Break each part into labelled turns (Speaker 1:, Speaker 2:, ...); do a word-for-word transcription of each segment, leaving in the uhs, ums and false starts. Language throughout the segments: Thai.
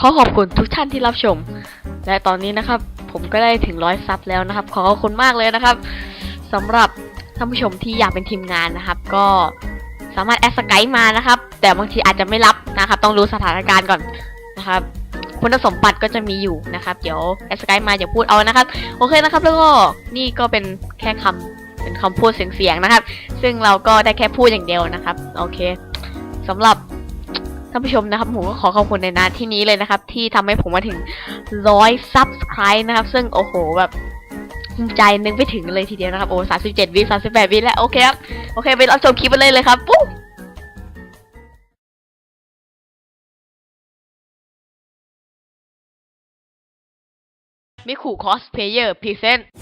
Speaker 1: ขอขอบคุณทุกท่านที่รับชมและตอนนี้นะครับผมก็ได้ถึงร้อยซับแล้วนะครับขอขอบคุณมากเลยนะครับสำหรับท่านผู้ชมที่อยากเป็นทีมงานนะครับก็สามารถแอดสกายมานะครับแต่บางทีอาจจะไม่รับนะครับต้องรู้สถานการณ์ก่อนนะครับคุณสมบัติก็จะมีอยู่นะครับเดี๋ยวแอดสกายมาอย่าพูดเอานะครับโอเคนะครับแล้วก็นี่ก็เป็นแค่คำเป็นคำพูดเสียงๆนะครับซึ่งเราก็ได้แค่พูดอย่างเดียวนะครับโอเคสำหรับท่านผู้ชมนะครับผมก็ขอขอบคุณในนาที่นี้เลยนะครับที่ทำให้ผมมาถึงร้อยซับสไครต์นะครับซึ่งโอ้โหแบบภูมิใจนึกไปถึงเลยทีเดียวนะครับโอ้สามสิบเจ็ดวิสามสิบแปดวิแล้วโอเคครับโอเคไปรับชมคลิปกันเลยเลยครับปุ๊บมิคุคอสเพลเยอร์พรีเซนต์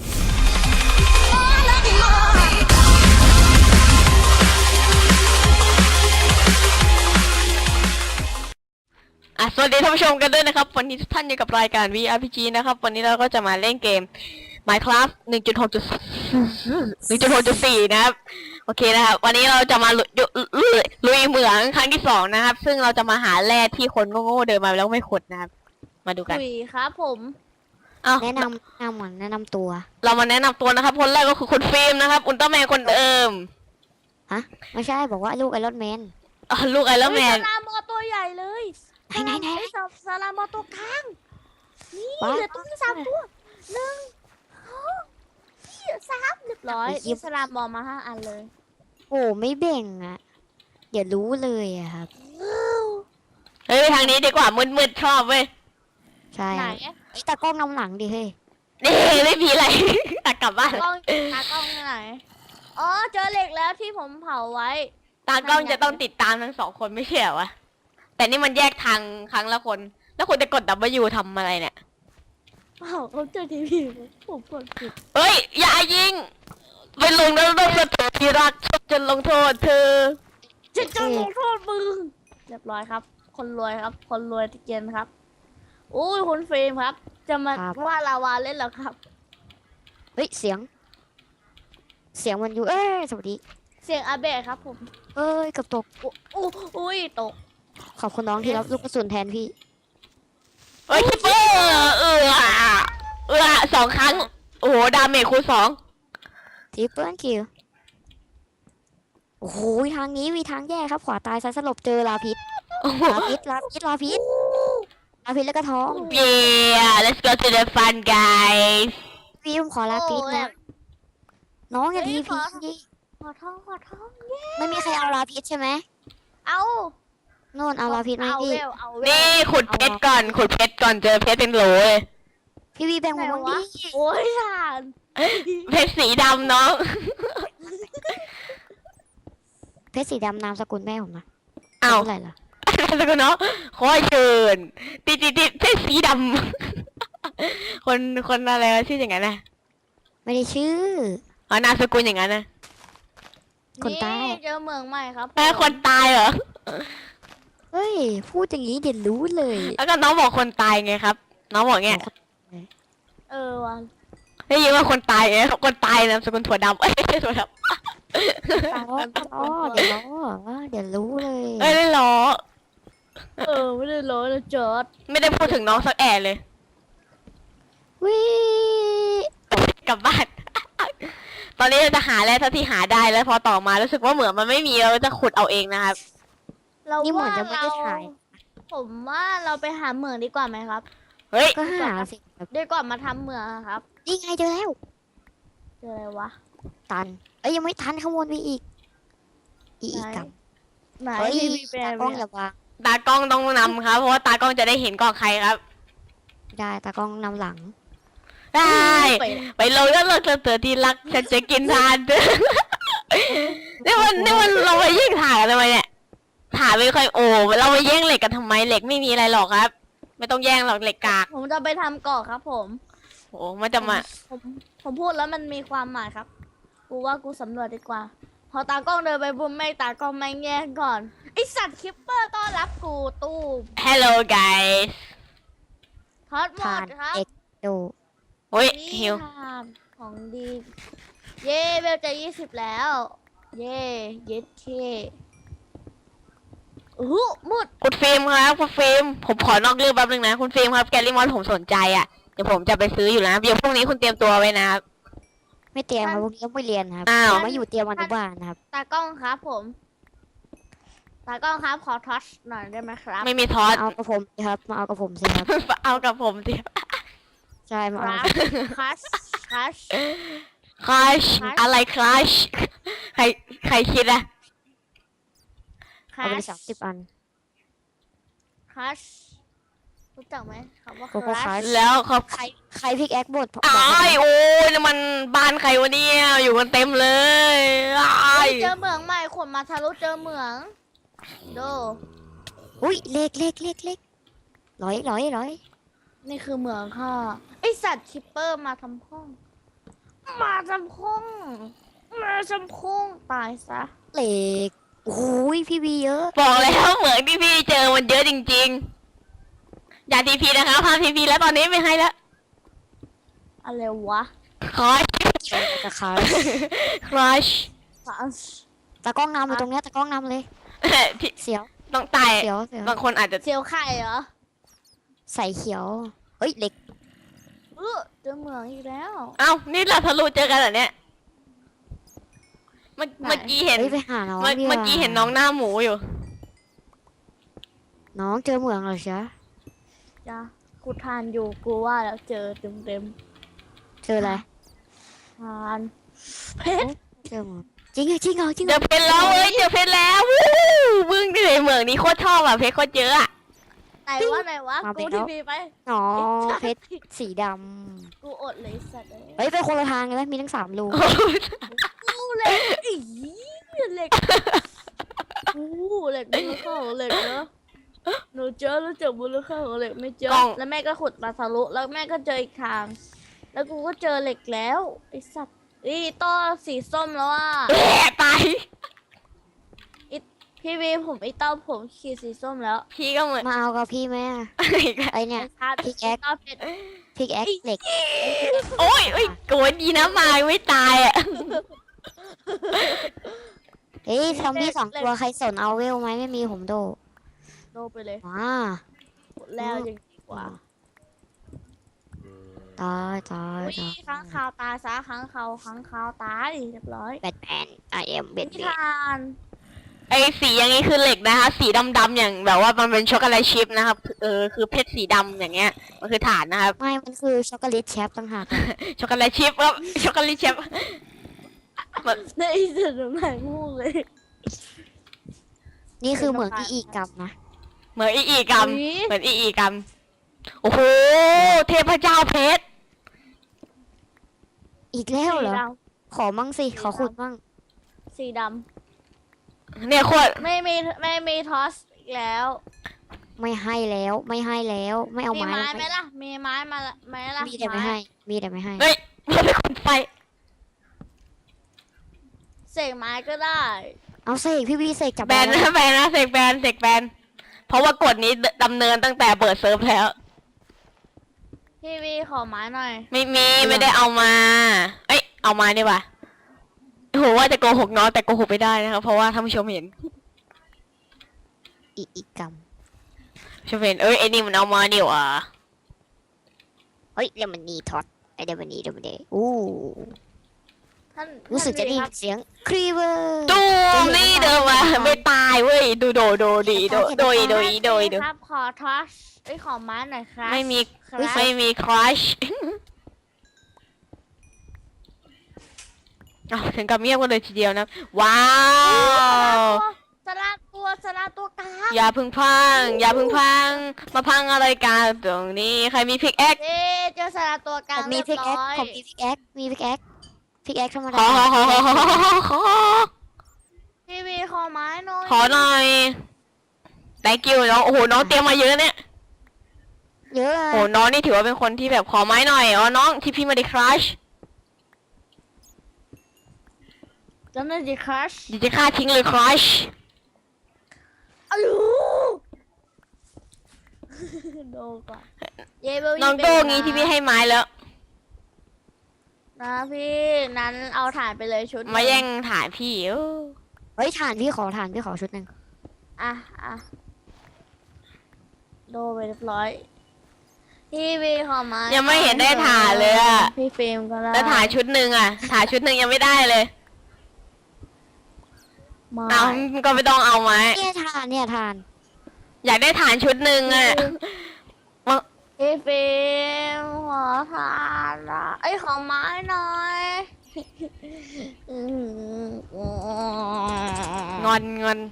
Speaker 1: อ่ะสวัสดีท่านผู้ชมกันด้วยนะครับวันนี้ทุกท่านอยู่กับรายการ วี อาร์ พี จี นะครับวันนี้เราก็จะมาเล่นเกม Minecraft หนึ่งจุดหก หนึ่งจุดหกจุดสี่ นะครับโอเคนะครับวันนี้เราจะมาลุยลุยลุยเหมืองครั้งที่สองนะครับซึ่งเราจะมาหาแร่ที่คนโง่ๆเดินมาแล้วไม่ขุดนะครับมาดูกัน
Speaker 2: คุยครับผม
Speaker 1: อ้าว
Speaker 3: แนะนำแนะนำก่อนแนะนำตัว
Speaker 1: เรามาแนะนำตัวนะครับคนแรกก็คือคุณฟิล์มนะครับอุลตร้าแมนคนเดิม
Speaker 3: ฮะ ไม่ใช่บอกว่าลูกไอรอนแมน
Speaker 1: อ่ะลูกไอรอนแมน
Speaker 2: เฮ้ยสลามอตัวใหญ่เลย
Speaker 3: ไหนไหนไหน
Speaker 2: ไอ้สับสลามอตัวกลางนี่
Speaker 3: ว้าว
Speaker 2: เหลือตัวที่สามตัวหนึ่งสองสามเรียบร้อย
Speaker 3: ไอ้ยิบ
Speaker 2: สลามอมาห้าอันเลย
Speaker 3: โอ้ไม่แบ่งอ่ะ เดี๋ยวรู้เลยอะครับ
Speaker 1: เฮ้ยไปทางนี้ดีกว่ามืดๆชอบเว้ย
Speaker 3: ใช่
Speaker 2: ไหน
Speaker 3: ไอ้ตากล้องนำหลังดิเฮ้ย
Speaker 1: นี่ไม่มีอะไร ตักกลับบ้าน
Speaker 2: กล้องตากล้องไหนอ๋อเจอเหล็กแล้วที่ผมเผาไว้
Speaker 1: ตากล้องจะต้องติดตามทั้งสองคนไม่ใช่เหรอวะแต่นี่มันแยกทางครั้งละคน แล้วคุณจะกด W ทำอะไรเนี่ย
Speaker 2: เผาเขาเจอทีวีผมกดผิด
Speaker 1: เฮ้ยอย่ายิงไปลงแล้วต้องสะเทือนที่รักฉันจะลงโทษเธอ
Speaker 2: จะจะลงโทษมึงเรียบร้อยครับ คนรวยครับ คนรวยที่เกียนครับอุ้ยคุณฟิล์มครับ จะมาว่าลาวาเล่นเหรอครับ
Speaker 3: เฮ้ยเสียง เสียงมันอยู่ เอ้ยสวัสดี
Speaker 2: เสียงอาเบะครับผม
Speaker 3: เอ้ยเกับตก
Speaker 2: อู้อู้อุ้ยตก
Speaker 3: ขอบคุณน้องที่รับลูกกระสุนแทนพี่
Speaker 1: เฮ้ยคิปเปอร์เออเออสองครั้งโอ้โหดาเมจคูณสอง
Speaker 3: ทีเปิลคิว โอ้โหทางนี้มีทางแยกครับ ขวาตายซ้ายสลบเจอลาพิษ
Speaker 1: โอ้โห
Speaker 3: ลาพิษลาพิษลาพิษลาพิษแล้วก็ท้อง
Speaker 1: Yeah let's go to the fun guys
Speaker 3: พี่ผมขอลาพิษนะ น้องอย่า
Speaker 2: เฮ้
Speaker 3: ที
Speaker 2: ยข
Speaker 3: พี
Speaker 2: อ ขอท้องขอท้องเย้
Speaker 3: ไม่มีใครเอาลาพิษใช่ไหม
Speaker 2: เอา
Speaker 3: โน่นเอาลาพิษไหม
Speaker 2: เอา
Speaker 3: พี่
Speaker 2: เวลเอาเวล
Speaker 1: นี่ขุดเพชรก่อนขุดเพชรก่อนเจอเพชรเป็นโหลเลย
Speaker 3: พี่วีแบ่ง
Speaker 2: ไหน
Speaker 3: ผม
Speaker 2: วะ
Speaker 3: บ้างดิ
Speaker 2: โอ้ยทาน
Speaker 1: เพชรสีดำน้อง
Speaker 3: เพชรสีดำนามสกุลแม่ผมนะ
Speaker 1: อ้าว
Speaker 3: อะไรล่ะ
Speaker 1: แล้วก็เนาะขอเชิญติดติดติดเพชรสีดำ คนคนอะไรวะชื่ออย่างนั้นนะ
Speaker 3: ไม่ได้ชื่อ
Speaker 1: อ๋อนามสกุลอย่างนั้นนะ
Speaker 3: คนใต้
Speaker 2: เจอเมืองใหม่ครับ
Speaker 1: แม่คนตายเหรอ
Speaker 3: เฮ้ย พูดอย่างนี้เดี๋ยวรู้เลย
Speaker 1: แล้วก็น้องบอกคนตายไงครับ น้องบอกเงี้ย
Speaker 2: เออวัน
Speaker 1: ได้ยินว่าคนตายไงคนตายนามสกุลถั่วดำเอ้ยไม่ใช่ถั่วดำ
Speaker 3: ล้อล้อเดี๋ยวล้อว่าเดี๋ยวรู้เลย
Speaker 1: เอ้ยได้ล้อ
Speaker 2: เออไม่ได้ร้อยนะจอด
Speaker 1: ไม่ได้พูดถึงน้องสักแอะเลย
Speaker 3: วิ
Speaker 1: กลับบ้าน ตอนนี้เราจะหาแล้วถ้าที่หาได้แล้วพอต่อมารู้สึกว่าเหมือนมันไม่มีเราจะขุดเอาเองนะครับ
Speaker 2: เรา
Speaker 3: นี่เหมือน
Speaker 2: ว่า
Speaker 3: จะไม่
Speaker 2: เรา
Speaker 3: ได้ถ่าย
Speaker 2: ผมว่าเราไปหาเหมืองดีกว่าไหมครับ
Speaker 1: เฮ้ย
Speaker 3: ก็หาสิแบบ
Speaker 2: ดีกว่ามาทำเหมืองอะครับ
Speaker 3: นี่ไงเจอแล้ว
Speaker 2: เจออะไรวะ
Speaker 3: ตัน เอ้ยยังไม่ทันขโมยไปอีก อีอีกกับ
Speaker 2: ไหน
Speaker 3: เฮ้ย
Speaker 2: ที่มีแปล
Speaker 3: ตาง กล้องอย่าวาง
Speaker 1: ตากล้องต้องนำครับ เพราะว่าตากล้องจะได้เห็นก่อนใครครับ
Speaker 3: ไม่ได้ตากล้องนำหลัง
Speaker 1: ได้
Speaker 2: ไป
Speaker 1: ไปลงแล้วเราจะเจอที่รักฉันจะกินทานเด้อ นี่มันนี่มันเราไปแย่งถ่ายกันทำไมเนี่ยถ่ายไม่ค่อยโอ้เราไปแย่งเหล็กกันทำไมเหล็กไม่มีอะไรหรอกครับ ไม่ต้องแย่งหรอกเหล็กกาก
Speaker 2: ผมจะไปทำเกาะครับผม
Speaker 1: โอ้มันจะมา
Speaker 2: ผมผมพูดแล้วมันมีความหมายครับ กูว่ากูสำรวจดีกว่า พอตากล้องเดินไปบุ้มไม่ตากล้องไม่แย่งก่อน ไอสัตว์คิปเปอร์ต้อนรับกูตู้ม
Speaker 1: Hello guys
Speaker 2: ทอดหม
Speaker 3: ทา
Speaker 2: ด
Speaker 3: น
Speaker 2: ครับ
Speaker 3: เอ็กโด
Speaker 1: โอ้ย
Speaker 2: นี่
Speaker 1: หิว
Speaker 2: ทานของดี เย่เวลจะยี่สิบแล้ว เย่เย็ดเคอู้หูมืด
Speaker 1: คุณฟิล์มครับคุณฟิล์มผมขอนอกเรื่องแป๊บนึงนะคุณฟิล์มครับแกลลี่มอนผมสนใจอ่ะเดี๋ยวผมจะไปซื้ออยู่แล้วเดี๋ยวพรุ่งนี้คุณเตรียมตัวไว้นะครับ
Speaker 3: ไม่เตรียมครับพวกนี้ต้องไปเรียนครับ
Speaker 1: อ้าว
Speaker 3: ผมมาอยู่เตรียมอนุบาลนะครับ
Speaker 2: ตากล้องครับผมตากล้องครับขอทัชหน่อยได้ไหมครับ
Speaker 1: ไม่มีทอ
Speaker 3: มา
Speaker 1: ส
Speaker 3: เอากับผมสิครับมาเอากับผมสิครับ
Speaker 1: เอากับผมสิ
Speaker 3: ใช่มา
Speaker 2: ค
Speaker 3: เอา
Speaker 2: รับทัชทัช
Speaker 1: คลัช
Speaker 2: Crush
Speaker 1: อะไรคลัชใครใครคิดอะ
Speaker 3: เอาไปสามสิบอัน
Speaker 2: ทัชรู้จักไหมคำว่า
Speaker 3: โกโก้
Speaker 2: ค
Speaker 3: ครั
Speaker 2: รั
Speaker 3: ช
Speaker 2: ช
Speaker 1: แล้วเขา
Speaker 3: ใครใครพิกแอคบดบอก
Speaker 1: อ้า
Speaker 3: ผม
Speaker 1: ยโอ้ยนี่มันบ้านใครวะเนี่ยอยู่กันเต็มเลยอ้าย
Speaker 2: เจอเหมืองใหม่ขนมาทะลุเจอเหมืองดู
Speaker 3: อุ้ยเล็กเล็กเล็กเล็กร้อยร้อยร้อย
Speaker 2: นี่คือเหมืองค่ะไอสัตว์คิปเปอร์มาทำพ้อง มาทำพ้องมาทำพ้องตายซะ
Speaker 3: เล็กโอ้ยพี่บีเยอะ
Speaker 1: บอกแล้วเหมือนที่พี่เจอมันเยอะจริงๆอย่าทีพีนะครับพาทีพีแล้วตอนนี้ไม่ให้แล้ว
Speaker 2: อะไรวะ
Speaker 1: คลัช
Speaker 3: เกี่ยวกับคา
Speaker 1: คลัช
Speaker 2: ฟัส
Speaker 3: ตากล้องนำเลยตรงเนี้ยตากล้องนำเลย
Speaker 1: พี่
Speaker 3: เสียว
Speaker 1: ต้องตาย
Speaker 3: เสียวเสียว
Speaker 1: บางคนอาจจะ
Speaker 2: เซียวไข่เหรอ
Speaker 3: ใส่เขียวเฮ้ยเล็ก
Speaker 2: เออเจอเหมืองอีกแล้ว
Speaker 1: เอ้านี่เราทะลุเจอกันเหรอเนี่ยเมื่อ
Speaker 2: ไหน
Speaker 1: เมื่อกี้เห็น
Speaker 3: เฮ้ยไปหาน้อง
Speaker 1: เมื่อ
Speaker 3: ดีว่า
Speaker 1: เมื่อกี้เห็นน้องหน้าหมูอยู่
Speaker 3: น้องเจอเหมืองเหรอจ๊ะ
Speaker 2: จ้ะกูทานอยู่กูว่าแล้วเจอเต็มเต็ม
Speaker 3: เจออะไร
Speaker 2: ๆทานเพชร
Speaker 3: เจอเหมืองจริงเหรอจริงเหรอจริงเห
Speaker 1: เจ
Speaker 3: ร
Speaker 1: อ
Speaker 3: อ
Speaker 1: เพชรแล้วเอ้ยเจอเพชรแล้ววู้มึงเหนื่อยเหมืองนี้โคตรชอบอ่ะเพชรโคตรเยอะอ่ะ
Speaker 2: ไหนวะไหนวะกูทีวีไป
Speaker 3: น้องเพชรสีด
Speaker 2: กูอดเลยสัตว์เลย
Speaker 3: ำเฮ้ยไปคนละทางเลยไหมมีทั้งสามรู
Speaker 2: กูเหล็กอีเหล็กกูเหล็กมูลค่าของเหล็กเนอะหนูเจอแล้วเจอมูลค่าของเหล็กไม่เจอ แล้วแม่ก็ขุดมาทะลุแล้วแม่ก็เจออีกทาง แล้วกูก็เจอเหล็กแล้วไอสัตว์อีต้อสีส้มแล้วอ่ะ
Speaker 1: แอะตาย
Speaker 2: พี่วีผมไอเต้าผมขีดสีส้มแล้ว
Speaker 1: พี่ก็เหมือน
Speaker 3: มาเอากับพี่ไหมอะ
Speaker 1: อีกแล้ว
Speaker 3: ไอเนี่ย
Speaker 2: ไอ้ชาติ
Speaker 3: พิกแอค
Speaker 2: เต้าเพชร
Speaker 3: พิกแอคเหล็ก
Speaker 1: โอ้ยโอ้ยโกรธดีนะมาไม่ตายอ่ะ
Speaker 3: เฮ้ยซอมบี้สองตัวใครสนเอาเวลไหมไม่มีผมโด
Speaker 2: โดไปเลย
Speaker 3: ว้า
Speaker 2: หมดแล้วยังดีกว่า
Speaker 3: ตายตาย
Speaker 2: อุ้ย
Speaker 3: ตาย
Speaker 2: ค้างคาวตายซะค้างคาวค้างคาวตายเรียบร้อย
Speaker 3: แบทแมน I am
Speaker 2: นิ
Speaker 3: Batman
Speaker 2: ทาน
Speaker 1: ไอสีอย่างนี้คือเหล็กนะคะ สีดำๆอย่างแบบว่ามันเป็นช็อกโกแลตชิพนะครับเออคือเพชรสีดำอย่างเงี้ยมันคือฐานนะครับ
Speaker 3: ไม่ มันคือช็อกโกแลตแชปต่างหากอะ
Speaker 1: ช็อกโกแลตชิพครับช็อกโกแลตชิพ
Speaker 2: ในอีสุดไหนงูเลย
Speaker 3: นี่คือเหมืองที่อีกกำนะ
Speaker 1: เหมือนอีอีกรรม
Speaker 2: อุ๊ย
Speaker 1: เหมือนอีอีกรรมโอ้โหเทพเจ้าเพชร
Speaker 3: อีกแล้วเหรอ
Speaker 2: สีด
Speaker 3: ขอมั่งสิ ขอขุดมั่ง
Speaker 2: ำสีด
Speaker 1: เนี่ยโคตร
Speaker 2: ำไม่มีไม่มีทอสอีกแล้ว
Speaker 3: ไม่ให้แล้ว ไม่ให้แล้ว ไม่เอา
Speaker 2: มี
Speaker 3: ไม้
Speaker 2: ไม้
Speaker 3: มา
Speaker 2: ไหมล่ะ มีไม้มาละไหมล่ะ
Speaker 3: มีแต่ไม่ให้ มีแต่ไม่ให้
Speaker 1: เฮ้ยมันเป็นคนไฟ
Speaker 2: เสกไม้ก็ได้
Speaker 3: เอาเสกพี่วีเสกจับ
Speaker 1: แบน
Speaker 3: ได้
Speaker 1: นะแบนนะเสกแบนเสกแบนเพราะว่ากฎนี้ดำเนินตั้งแต่เปิดเซิร์ฟแล้ว
Speaker 2: พี่วีขอไม้หน่อย
Speaker 1: ไม่มีไม่ได้เอามา เอ้ยเอามาดีกว่าโอ้โหว่าจะโกหกน้องแต่โกหกไม่ได้นะครับเพราะว่าท่านผู้ชมเห็น
Speaker 3: อีกอีกก
Speaker 1: ชมเห็นเอ้ยไอ้นี่มันเอามานี่หว่า
Speaker 3: ำเฮ้ยเดี๋ยวมันนีท็อตไอเดี๋ยวมันนีเดี๋ยวมันเดอู้
Speaker 2: ท่าน
Speaker 3: รู้สึกจะได้
Speaker 2: ท่าน
Speaker 3: ยินเสียงครีเวอร์
Speaker 1: ตูมนี่เดินมาไม่ตายเว้ยดูโดโดดีโดโดยโดยโดยโด
Speaker 2: ครับขอทอสไอ้ยขอไม้หน่อยครับ
Speaker 1: ไม่มี
Speaker 2: ครับ
Speaker 1: ไม่มีครัช อ้าวถึงกับเงียบกันเลยทีเดียวนะ ว้าว
Speaker 2: สลาตัวสลาตัวกลาง
Speaker 1: อย่าพึ่งพัง อย่าพึ่งพัง มาพังอะไรกันตรงนี้ ใครมีพิกแอค
Speaker 2: เอ๊ะเจอสลาตัวกลา
Speaker 3: ผ
Speaker 2: ง
Speaker 3: มมี
Speaker 2: เรียบ
Speaker 3: พิกแอ
Speaker 2: ร้
Speaker 3: ค
Speaker 2: อย
Speaker 3: ผมมีพิกแอคมีพิกแอคพิกแอคธรรม
Speaker 1: ข
Speaker 3: ดา
Speaker 1: อขอขอขอขอขอขอ
Speaker 2: พี่วีขอไม้หน่อย
Speaker 1: ขอหน่อย thank you น้อง โอ้โห น้องเตรียมมาเยอะเนี่ย
Speaker 3: เยอะ
Speaker 1: โอ้โห น้องนี่ถือว่าเป็นคนที่แบบขอไม้หน่อย อ๋อ น้องที่พี่มาดิครัช
Speaker 2: จำได้ดิครัช
Speaker 1: ดิจะฆ่าทิ้งเลยครัช
Speaker 2: อ้าวโดนก่อนเยเบล
Speaker 1: น้องโต้งี้ที่พี่ให้ไม้แล้ว
Speaker 2: นะพี่นั้นเอาถ่านไปเลยชุดหนึ่
Speaker 1: มาแย่งถ่ายพี่เออ
Speaker 3: เฮ้ยฐานพี่ขอฐานพี่ขอชุดหนึ่ง
Speaker 2: อ่ะอ่ะโดไปเรียบร้อยพี่วีขอมา
Speaker 1: ยั
Speaker 2: ยัง
Speaker 1: ไม่เห็นได้ถ่ายเลยอะ
Speaker 2: พี่ฟิล์มก็ได้
Speaker 1: แล้วถ่ายชุดหนึ่งอ่ะ ถ่ายชุดหนึ่งยังไม่ได้เลย
Speaker 2: มา
Speaker 1: เอาก็ไม่ต้องเอาไหม
Speaker 3: เนี่ยทานเนี่ยทาน
Speaker 1: อยากได้ฐานชุดหนึ่งอ่ะ
Speaker 2: พี่ฟิล์มขอทานละไอ้ยขอไม้หน่อยอืม
Speaker 1: งอนงอน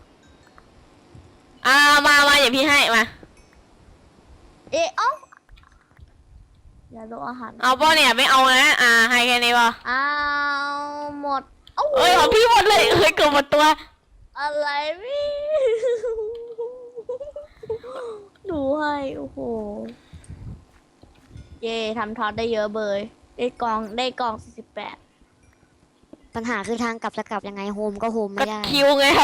Speaker 1: อ่ามามาอย่าพี่ให้มา
Speaker 2: เอ๊ะเอ้าอย่าโดนอาหาร
Speaker 1: เอาป่ะเนี่ยไม่เอานะอ่าให้แค่นี้ป่ะ
Speaker 2: เอาหมดเอ้า
Speaker 1: เอ้ยของพี่หมดเลยเอ้ยเกือบหมดตัว
Speaker 2: อะไรพี่ดูให้โอ้โหเย่ทำทอดได้เยอะเบยได้กองได้กองสี่สิบแปด
Speaker 3: ปัญหาคือทางกลับจะกลับยังไงโฮมก็โฮม
Speaker 1: ก็
Speaker 3: ไม่ได้
Speaker 1: คิวไงครับ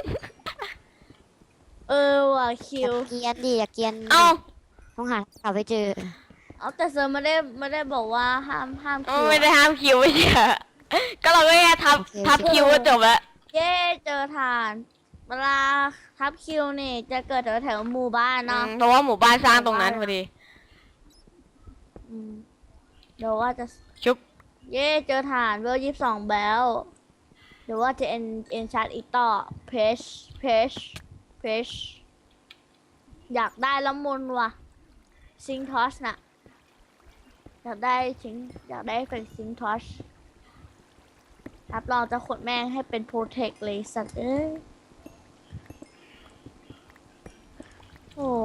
Speaker 2: เออว่ะคิ
Speaker 3: อ
Speaker 2: ว
Speaker 3: ย่าเกรียนดิอย่าเกรียน
Speaker 1: เอ้า
Speaker 3: ต้องหากลับไปเจอ
Speaker 2: เอาแต่เซอร์ไม่ได้ไม่ได้บอกว่าห้ามห้าม
Speaker 1: เอ้า
Speaker 2: คิว
Speaker 1: ไม่ได้ห้ามคิวไม่ใช่เหรอก็เราก็แค่ทับ
Speaker 3: โอเค
Speaker 1: ทับคิวก็จบแล้ว
Speaker 2: เย่เจอทานเวลาทับคิวนี่จะเกิดแถวแถวหมู่บ้าน
Speaker 1: อื
Speaker 2: เนาะ
Speaker 1: มเพราะว่าหมู่บ้านสร้างตรงนั้นพอดี
Speaker 2: อืมเดี๋ยวว่าจะ
Speaker 1: ชุบ
Speaker 2: เย่เจอฐานเวลยี่สิบสองแบลเดี๋ยวว่าจะเอ็นเอ็นชาร์ตอีกต่อเพชเพชเพชอยากได้ละมุนว่ะซิงทอสน่ะอยากได้ซิงอยากได้เป็นซิงทอสรับรองจะขดแม่งให้เป็นโปรเทคเลยสัตว์เอ้ยโอ้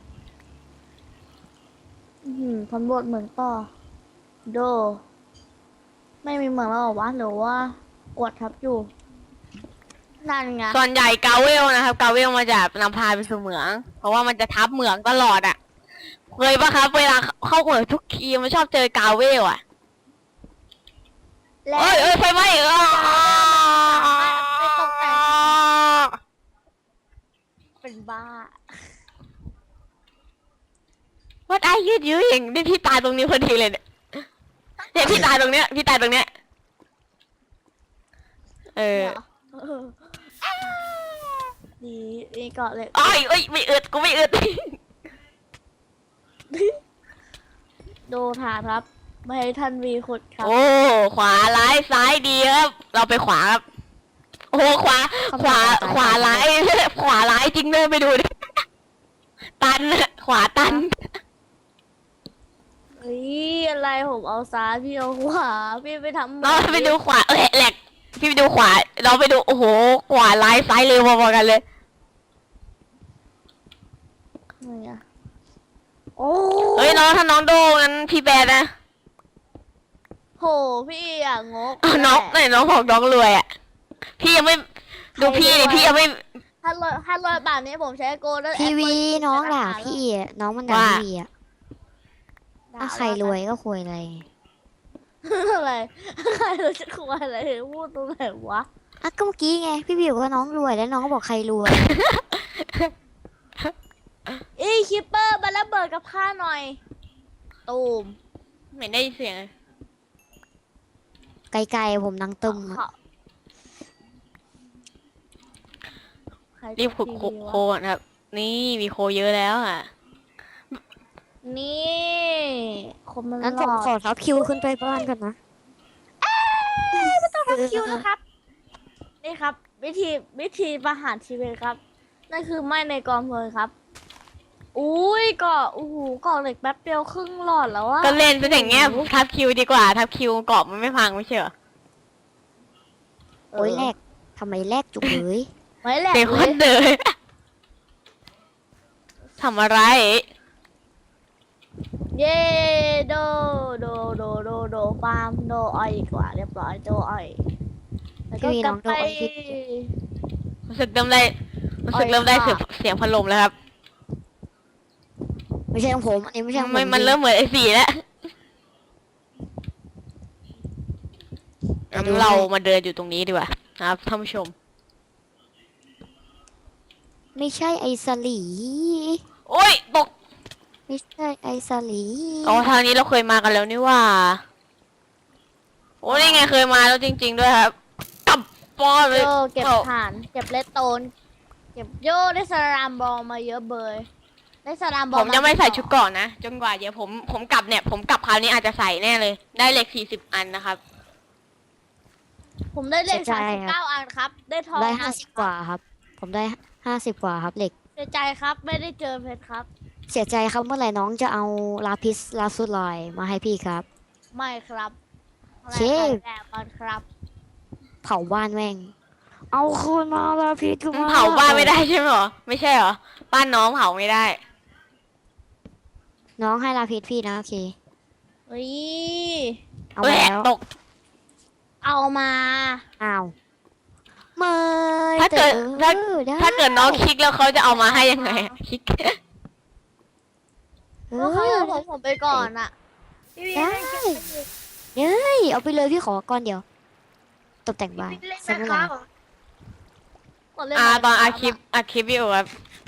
Speaker 2: อื้อหือสำรวจเหมืองต่อโด ไม่มีเหมืองแล้วเหรอวะหรือว่ากดทับอยู่นั่นไง
Speaker 1: ส่วนใหญ่กาเวลนะครับกาเวลมาจากนำพาไปสู่เหมือง เพราะว่ามันจะทับเหมืองตลอดอ่ะเคยปะครับเวลาเข้าเหมืองทุกทีมันชอบเจอกาเวลอ่ะ
Speaker 2: และ
Speaker 1: เอ้ยเอ้ยไฟไหม้เออ
Speaker 2: ไม่ตกแต่งเป็นบ้า
Speaker 1: What are you doing นี่พี่ตายตรงนี้พอดีเลยเนี่ยเนี่ยพี่ตายตรงเนี้ยพี่ตายตรงเนี้ยเออ
Speaker 2: เออดีนี่เกาะเหล็ก
Speaker 1: อ้อยเอ้ยไม่อึดกูไม่อึด
Speaker 2: ดูฐานครับ ไม่ให้ท่านวีขุดครับ
Speaker 1: โอ้ขวาร้ายซ้ายดีครับ เราไปขวาครับ โอ้ขวา ขวาขวาร้าย ขวาร้ายจริงเลยไปดูดิตันขวาตัน
Speaker 2: เฮ้ยอะไรผมเอาซ้ายพี่เอาขวาพี่ไปทำ
Speaker 1: เราไปดูขวาเอ้ยแหลกพี่ไปดูขวา เราไปดูโอ้โหขวาร้ายซ้ายเร็วพอๆกันเลย
Speaker 2: อะไรอะโอ้
Speaker 1: เฮ้ยน้องถ้าน้องโดงั้นพี่แบนนะ
Speaker 2: โหพี่อะงก
Speaker 1: อ้าวน้องไหนน้องบอกน้องรวยอ่ะพี่ยังไม่ดูพี่ดิพี่ยังไม่
Speaker 2: ถ้ารอยถ้ารอยบาทนี้ผมใช้โกลเด้น
Speaker 3: พี่วี
Speaker 2: แอปเปิล
Speaker 3: น้องด่า
Speaker 2: ธคร
Speaker 3: พี่อะน้องมันด่า
Speaker 1: ว่า
Speaker 3: พี่วีอะ
Speaker 2: ด่า
Speaker 3: ถ้าใครรวยก็คุยอะไร
Speaker 2: อะไรใครเราจะคุยอะไรพูดตรงไหนวะ
Speaker 3: อ่ะก็เมื่อกี้ไงพี่วีบอกว่าน้องรวยแล้วน้องก็บอกใครรวย
Speaker 2: เอ้ยคิปเปอร์มาระเบิดกับข้าหน่อย ตูม
Speaker 1: ไม่ได้ยินเสียงเลย
Speaker 3: ไกลๆผมนังตึมอะ
Speaker 2: เขาใค
Speaker 1: รีบขุดโค
Speaker 2: ทีวี
Speaker 1: โคว
Speaker 2: ะ
Speaker 1: ก่อนครับ นี่มีโคเยอะแล้วอ่ะ
Speaker 2: นี่คนมัน
Speaker 3: งั้น
Speaker 2: ห
Speaker 3: ผ
Speaker 2: ล
Speaker 3: ม
Speaker 2: อ
Speaker 3: ขอทับคิวขึ้นไปบ้านก่อนนะ
Speaker 2: ต้องทับคิวนะครับ นี่ครับ วิธีวิธีประหารชีวิตครับ นั่นคือไม่ในกองเพลิงครับ อุ้ยเกาะอู้หูเกาะเหล็กแป๊บเดียวครึ่งหลอดแล้วอะ
Speaker 1: ก็เล่นเป็นอย่างเงี้ยทับคิวดีกว่า ทับคิวเกาะมันไม่พังไม่ใช่เหรอ
Speaker 3: โอ้ยแลกทำไมแลกจุกเลย
Speaker 2: ไม่แหลก
Speaker 1: เด็ก
Speaker 2: เล
Speaker 1: คน
Speaker 2: ย
Speaker 1: เดินทำอะไร
Speaker 2: เย่โดโดโดโดโดฟาร์มโดอ้อยดีกว่าเรียบร้อยโดอ้อยแล้วก็
Speaker 3: พี่วี
Speaker 2: ก
Speaker 3: น้
Speaker 2: ลั
Speaker 3: อบ งโด
Speaker 2: ไป
Speaker 3: นพี่
Speaker 1: รู้สึกเริ่มได้รู้สึกเริ่มได้เสียงเสียงพัดลมแล้วครับ
Speaker 3: ไม่ใช่ของผมอันนี้ไม่ใช่ของผม
Speaker 1: มันมันเริ่มเหมือนไอ้สีแล้วงั้นเรามาเดินอยู่ตรงนี้ดีกว่านะครับท่านผู้ชม
Speaker 3: ไม่ใช่ไอสลี
Speaker 1: โอ้ยตก
Speaker 3: ไม่ใช่ไอสลี
Speaker 1: อ๋อทางนี้เราเคยมากันแล้วนี่ว่า โอ้นี่ไงเคยมาแล้วจริง ๆ ด้วยครับกลับปอเลย
Speaker 2: โดเก็บ
Speaker 1: เอา
Speaker 2: ฐานเก็บเลดโตน เก็บโย่ได้สลามบอลมาเยอะเบยได้สลามบอ
Speaker 1: ผ
Speaker 2: ล
Speaker 1: มจะไม่ใส่ชุดเกราะนะจนกว่าเดี๋ยวผมผมกลับเนี่ย ผมกลับคราวนี้อาจจะใส่แน่เลย ได้เหล็กสี่สิบอันนะครับ
Speaker 2: ผมได้เลขสามสิบเก้าอันครับ ได้ทอง
Speaker 3: ได้ห้าสิบกว่าครับ ผมได้ห้าสิบกว่าครับเหล็ก
Speaker 2: เสียใจครับไม่ได้เจอเพชรครับ
Speaker 3: เสียใจครับเมื่อไหร่น้องจะเอาลาพิสลาสุดลอยมาให้พี่ครับ
Speaker 2: ไม่ครับ
Speaker 3: เชฟ
Speaker 2: แรงก่อนครับ
Speaker 3: เผาบ้านแม่ง เอาคืนมาลาพิสคืนมา
Speaker 1: เผาบ้านไม่ได้ใช่ไหมหรอ ไม่ใช่เหรอ บ้านน้องเผาไม่ได้
Speaker 3: น้องให้ลาพิสพี่นะโอเค
Speaker 2: เฮ้ย
Speaker 3: เอามาแล้ว
Speaker 1: ตก
Speaker 2: เอามา
Speaker 3: อ้าวไม่
Speaker 1: ถ้าเกิด
Speaker 3: แต่
Speaker 1: ถ้า
Speaker 3: ออได้
Speaker 1: ถ้าเกิดน้องคลิกแล้วเขาจะเอามาให้ยังไงอะคลิก
Speaker 3: เอ
Speaker 2: เพราะเขา
Speaker 3: อ
Speaker 2: เอาผมผมไปก่อนอะ
Speaker 3: ได้เฮ้ยเอาไปเลยพี่ขอก้อนเดียว ตกแต่งบ้านใช่ไหมล่ะ
Speaker 2: กดเล่น
Speaker 1: อ่า
Speaker 2: บล
Speaker 1: ตอนอาคลิปอาคลิปวิวครับ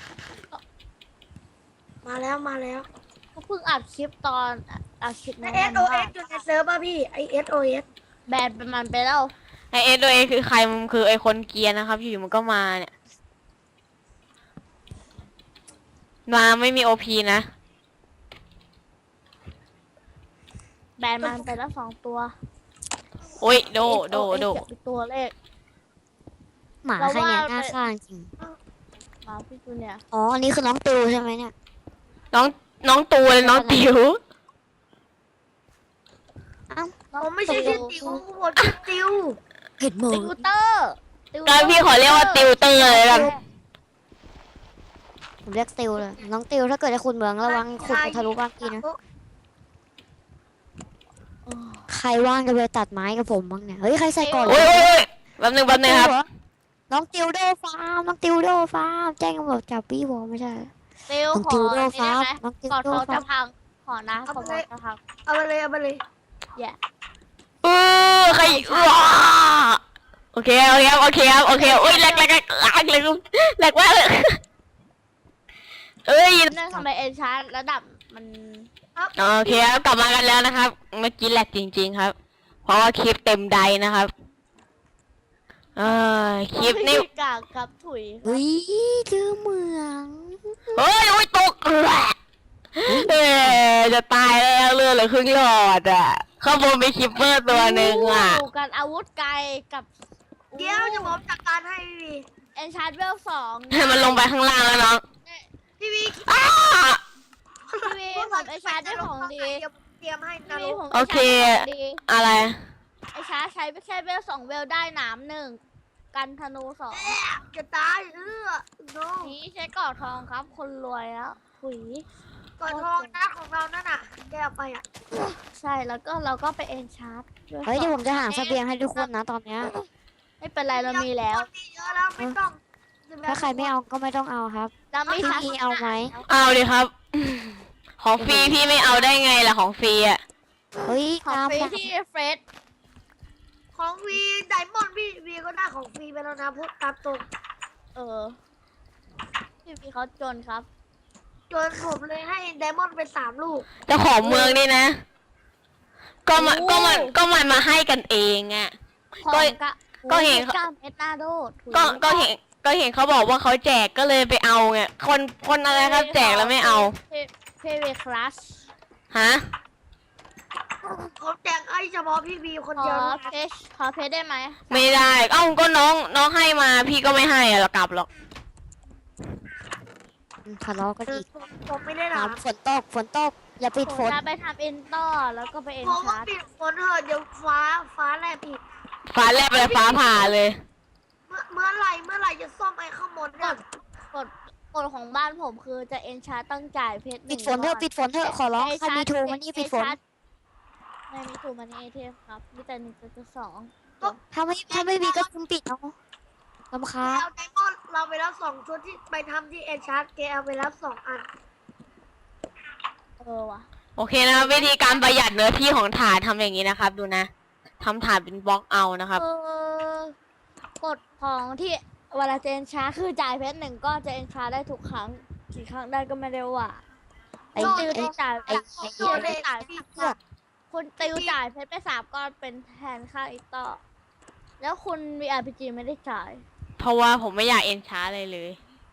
Speaker 4: มาแล้วมาแล้ว
Speaker 2: ก็เพิ่งอัดคลิปตอนอัดคลิป
Speaker 4: ไอ
Speaker 2: นั้น
Speaker 4: เอส
Speaker 2: น
Speaker 4: โอ
Speaker 2: ว่า
Speaker 4: เอสอยู่ในเซิร์ฟป่ะพี่ไอเอสโอเอส
Speaker 2: แบนเป็นมันไปแล้ว
Speaker 1: ไอเอสโดยคือใครมันคือไอคนเกรียร์นะครับอยู่ๆมันก็มาเนี่ยมาไม่มีโอพีนะ
Speaker 2: แบนมันไปแล้วสองตัว
Speaker 1: โอ้ยโดโดโด
Speaker 2: เอสโอเอสเป็นตัวเลข
Speaker 3: หมาใครเนี่ยหน้าข้างจริง
Speaker 2: มาพี่จูเนี่ย
Speaker 3: อ๋อ อันนี้คือน้องตูใช่ไหมเนี่ย
Speaker 1: น้องน้องตูเลยน้องติ๋ว
Speaker 3: อ้าว
Speaker 4: ผมไม่ใช่ชื่อติวผมชื่อติว
Speaker 3: เห็นหม
Speaker 2: ติ
Speaker 3: ง
Speaker 2: วเตอร์ติวเตอ
Speaker 1: ก็
Speaker 2: ร์
Speaker 1: พี่ขอเรียกว่าติวเตอร์เลยกัน
Speaker 3: ผมเรียกติวเลย น้องติวถ้าเกิดจะขุดเหมืองระวังขุดไปทะลุบ้านพี่นะ ใครว่างจะไปตัดไม้กับผมบ้างเนี่ย เฮ้ย ใครใส่ก่อน
Speaker 1: โอ้ยโอ้ยโอ้ยแป๊บนึงแป๊บนึงครับ
Speaker 3: น้องติวโดฟาร์ม น้องติวโดฟาร์ม แจ้งตำรวจจับพี่ผมไม่ใช่
Speaker 2: ติว
Speaker 3: น้อง
Speaker 2: ขอ
Speaker 3: ติวโด
Speaker 2: นี่
Speaker 3: ฟา
Speaker 2: ได้
Speaker 3: ร์ม
Speaker 2: ไหม
Speaker 3: น้องติว
Speaker 2: ก่อน
Speaker 3: โด
Speaker 2: เขา
Speaker 3: ฟา
Speaker 2: จะ
Speaker 3: ร์ม
Speaker 2: พังขอนะก่อนเขาจะพัง
Speaker 4: เอาไปเลยเอาไปเลย
Speaker 2: แย่
Speaker 1: เออใครว้าโอเคโอเคครับโอเคครับโอเคโอ้ยแหลกแหลกแหลกแหลกแหลกแหลกมากเลยเอ้ย
Speaker 2: เนื่องทำไมเอ็นชาร์ระดับมัน
Speaker 1: โอเคครับกลับมากันแล้วนะครับ เมื่อกี้แหลกจริง ๆครับ เพราะว่าคลิปเต็มใดนะครับเออคลิปนี่
Speaker 2: กากกับถุย
Speaker 3: เฮ้ยเจอเหมือง
Speaker 1: เฮ้ยโอ้ยตกแหละเออจะตายแล้วเลือดเหลือครึ่งหลอดอ่ะข้างบนมีคิปเปอร์ตัวหนึ่งอ่ะ
Speaker 2: ดูกันอาวุธไกลกับ
Speaker 4: เดี๋ยวจะผมจัดการให้พี่
Speaker 2: เอ็นชาร์เวลสอง
Speaker 1: ให้มันลงไปข้างล่างแล้วน้อง
Speaker 4: พี่วี
Speaker 1: อ้า
Speaker 2: พี่วีผมเอ็นชาร์ได้ของดี
Speaker 4: เดี๋ยวเตรียมให้นะ
Speaker 2: พี่วีผม
Speaker 1: โอเค
Speaker 2: ดี
Speaker 1: อะไร
Speaker 2: ไอชาร์ใช้แค่เวลสองเวลได้หนามหนึ่งกันธนูสอง
Speaker 4: จะตายเออโน
Speaker 2: นี้ใช้ก่อทองครับ คนรวยแล้วถุย
Speaker 4: ก่อนทองหน้าของเรานั่นน่ะแกเอาไปอ่ะ
Speaker 2: ใช่แล้วก็เราก็ไปเอ็นชาร์
Speaker 3: เฮ้ยเดี๋ยวผมจะหาเสบียงให้ทุกคนนะตอนเนี้ย
Speaker 2: ไม่เป็นไรเรามีแล้ว
Speaker 4: คนมีเยอะแล้วไม่ต้อง
Speaker 3: ถ้าใครไม่เอาก็ไม่ต้องเอาครับ
Speaker 2: เราไม่
Speaker 3: พี่
Speaker 2: ทัน
Speaker 3: มีเอาไหม
Speaker 1: เอาดิครับ ของฟรีพี่ไม่เอาได้ไงล่ะของฟรีอ่ะ
Speaker 3: เฮ้ย
Speaker 2: ของ
Speaker 3: ตาม
Speaker 2: ฟรี
Speaker 3: นะ
Speaker 2: ที่เฟรด
Speaker 4: ของวีไดมอนด์พี่วีก็ได้ของฟรีไปแล้วนะพูดตามตรง
Speaker 2: เออพี่วีเขาจนครับ
Speaker 4: จนผมเลยให้ไดมอนด์ไปสามลูก
Speaker 1: เจ้าของเมืองนี่นะ ก็มาก็มันก็มันมาให้กันเองอ่ะ
Speaker 2: ของ
Speaker 1: ก็
Speaker 2: กะ
Speaker 1: ก็เห็น
Speaker 2: โอ้ยก้าเมตรหน้าโดดถุย
Speaker 1: ก็ก็เห็นก็เห็นเขาบอกว่าเขาแจกก็เลยไปเอาไงคนคนอะไรครับ แจกแล้วไม่เอา
Speaker 2: เพเวคลาส
Speaker 1: ฮะ
Speaker 4: ผมแจกให้เฉพาะพี่วีคน
Speaker 2: ขอ
Speaker 4: เดียวนะ
Speaker 2: เพชขอเพชได้ไหม
Speaker 1: ไม่ได้ เอ้าก็น้องน้องให้มา พี่ก็ไม่ให้อะเรากลับหรอก
Speaker 3: ทะเลาะกัน
Speaker 4: คือ
Speaker 3: อีก
Speaker 4: ผมผมไม่ได้ถาม
Speaker 3: น้ำฝนตกฝนตก อย่าปิด
Speaker 2: ผ
Speaker 3: ฝ
Speaker 2: ม
Speaker 3: น
Speaker 2: จะไปทำเอ็นต่อแล้วก็ไปเอ็น
Speaker 4: ผมว่า
Speaker 2: ชาร์
Speaker 4: ปิดฝนเถอะเดี๋ยวฟ้าฟ้าแลบอีก
Speaker 1: ฟ้าแลบเลยฟ้าผ่าเลย
Speaker 4: เมื่อเมื่อไหรเมื่อไหรจะซ่อมไอ้ข้างบนเนี่ย
Speaker 2: กฎกฎของบ้านผมคือจะเอ็นชาร์ต้องจ่ายเพชรห
Speaker 3: ปิ
Speaker 2: นึ่
Speaker 3: ด
Speaker 2: ง
Speaker 3: ฝนเถอะปิดฝนเถอะขอร้องใครมีทูมันนี่ปิดฝน
Speaker 2: ไม่มีทูมันนี่เอทีเอฟครับมีแต่หนึ่งจุดสอง
Speaker 3: ถ้าไม่ถ้าไม่มีก็คุมปิดเอาลำ
Speaker 4: แก
Speaker 3: คาญ
Speaker 4: เอาไดมอนด์เราไปรับสองชุดที่ไปทำที่เอชาร์ดแกเอาไปรับสองอัน
Speaker 2: เออว่ะ
Speaker 1: โอเคนะครับวิธีการประหยัดเนื้อที่ของฐานทำอย่างนี้นะครับ ดูนะทำฐานเป็นบล็อกเอานะครับ
Speaker 2: เออกฎของที่เวลาจะเอ็นชาร์คือจ่ายเพชรหนึ่งก็จะเอ็นชาร์ได้ทุกครั้งกี่ครั้งได้ก็ไม่ได้ว่า
Speaker 3: ไอ้
Speaker 2: ติว
Speaker 3: ไอ้
Speaker 2: ที่จ่าย
Speaker 3: ไอ้ไอ้
Speaker 2: ติวที่จ่าย
Speaker 3: เพื่อ
Speaker 2: คุณติวจ่ายเพชรไปสามก้อนเป็นแทนค่าอีกต่อ แล้วคุณมีอาร์พีจีไม่ได้จ่าย
Speaker 1: เพราะว่าผมไม่อยากเอ็นช้าเลยเลย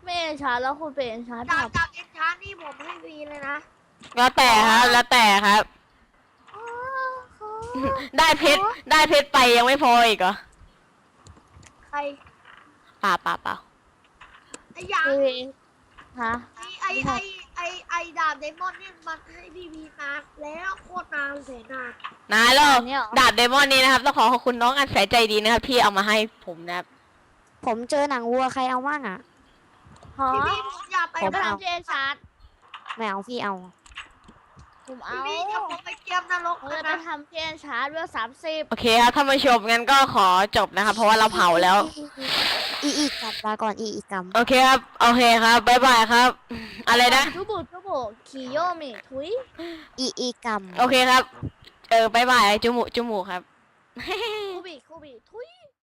Speaker 2: ไม่เอ็นชาร์จแล้วคุณเป็นเอ็นชาร์จ
Speaker 4: ดา
Speaker 2: แบบ บ
Speaker 4: ดาบเอ็นชาร์นี่ผมให้ฟรีเลยนะ
Speaker 1: แล้วแต่ครับ แล้วแต่ครับ
Speaker 4: โอ้โห
Speaker 1: ได้เพชรได้เพชรไปยังไม่พออีกเหรอ
Speaker 4: ใคร
Speaker 1: ป่าป่าเปล่า
Speaker 4: ไอ้หยาง
Speaker 2: คือฮะ
Speaker 4: ไอ้ไอ้ไอ้ไอ้ไอ้ดาบไดมอนด์เนี่ยมันให้พี่พีนานแล้วโคตรนานแสนนาน
Speaker 1: นายแล้ว
Speaker 2: เนี่ยเหรอ
Speaker 1: ดาบเดมอนนี้นะครับต้องขอขอบคุณน้องอันแสนใจดีนะครับที่เอามาให้ผมนะครับ
Speaker 3: ผมเจอหนังวัวใครเอามั่งอ่ะ
Speaker 2: ฮะ
Speaker 4: พี่พีผมอยากไป
Speaker 3: ผม
Speaker 2: ก็
Speaker 3: เอา
Speaker 2: ทำที่เอ็นชาร์จ
Speaker 3: ไม่เอาพี่เอา
Speaker 2: ผม
Speaker 4: พี่
Speaker 2: เอา
Speaker 4: พีจะผมไปเกมนรก
Speaker 2: ผม
Speaker 4: กั
Speaker 2: จะ
Speaker 4: น
Speaker 2: ไป
Speaker 4: นะ
Speaker 2: ทำที่เอ็นชาร์จเวลสามสิบ
Speaker 1: โอเคครับท่านผู้ชมงั้นก็ขอจบนะครับ เพราะว่าเราเผาแล้ว
Speaker 3: อีอีกลับมาก่อนอีอีกกรรม
Speaker 1: โอเคครับโอเคครับบ๊ายบายครับ อะไรนะ
Speaker 2: ทุบุทุบุคิโยมิทุย
Speaker 3: อีอีกรรม
Speaker 1: โอเคครับ เออบายบายจุมูจุมูครับ
Speaker 2: คูบิคูบิทุ